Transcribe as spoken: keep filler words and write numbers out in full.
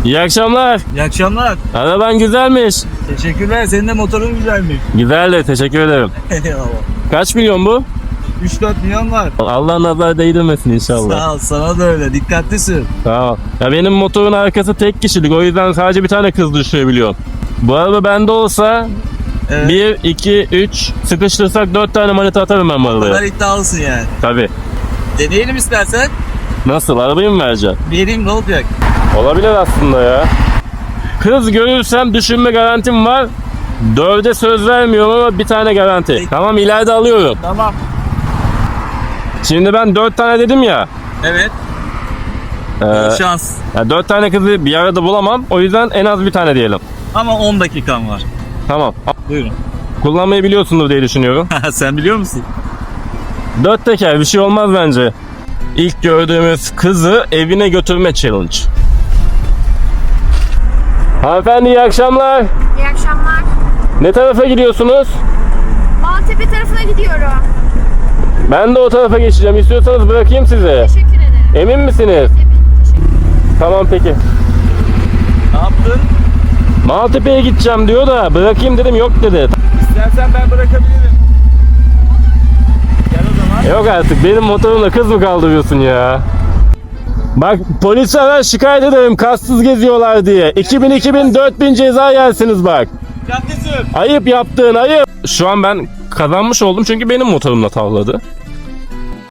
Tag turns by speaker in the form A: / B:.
A: İyi akşamlar.
B: İyi akşamlar.
A: Araban güzelmiş.
B: Teşekkürler. Senin de motorun güzelmiş.
A: Güzel de teşekkür ederim.
B: Eyvallah.
A: Kaç milyon bu?
B: üç dört milyon var.
A: Allah nazar değdirmesin inşallah.
B: Sağ ol. Sana da öyle. Dikkatli sür.
A: Tamam. Ya benim motorun arkası tek kişilik. O yüzden sadece bir tane kız düşürebiliyorum. Bu araba bende olsa
B: Evet.
A: bir, iki, üç sıkıştırsak dört tane manita atarım ben bu
B: O kadar
A: arabaya.
B: iddialısın yani.
A: Tabii.
B: Deneyelim istersen.
A: Nasıl? Arabayı mı vereceksin?
B: Vereyim, ne olacak?
A: Olabilir aslında ya. Kız görürsem düşünme garantim var. Dörde söz vermiyorum ama bir tane garanti.
B: Peki.
A: Tamam, ileride alıyorum.
B: Tamam.
A: Şimdi ben dört tane dedim ya.
B: Evet.
A: Ee,
B: Bol şans.
A: ya dört tane kızı bir arada bulamam. O yüzden en az bir tane diyelim.
B: Ama on dakikan var.
A: Tamam.
B: Buyurun.
A: Kullanmayı biliyorsundur diye düşünüyorum.
B: Sen biliyor musun?
A: Dört teker bir şey olmaz bence. İlk gördüğümüz kızı evine götürme challenge. Hanımefendi iyi akşamlar.
C: İyi akşamlar.
A: Ne tarafa gidiyorsunuz?
C: Maltepe tarafına gidiyorum.
A: Ben de o tarafa geçeceğim. İstiyorsanız bırakayım sizi.
C: Teşekkür ederim.
A: Emin misiniz?
C: Evet, teşekkür
A: Tamam peki.
B: Ne yaptın?
A: Maltepe'ye gideceğim diyor da bırakayım dedim, yok dedi.
B: İstersen ben bırakabilirim. Gel o zaman.
A: Yok artık, benim motorumla kız mı kaldırıyorsun ya? Bak, polise ara, şikayet ederim kastsız geziyorlar diye. iki bin, iki bin, dört bin ceza yersiniz bak.
B: Dikkatli sür.
A: Ayıp yaptığın ayıp. Şu an ben kazanmış oldum çünkü benim motorumla tavladı.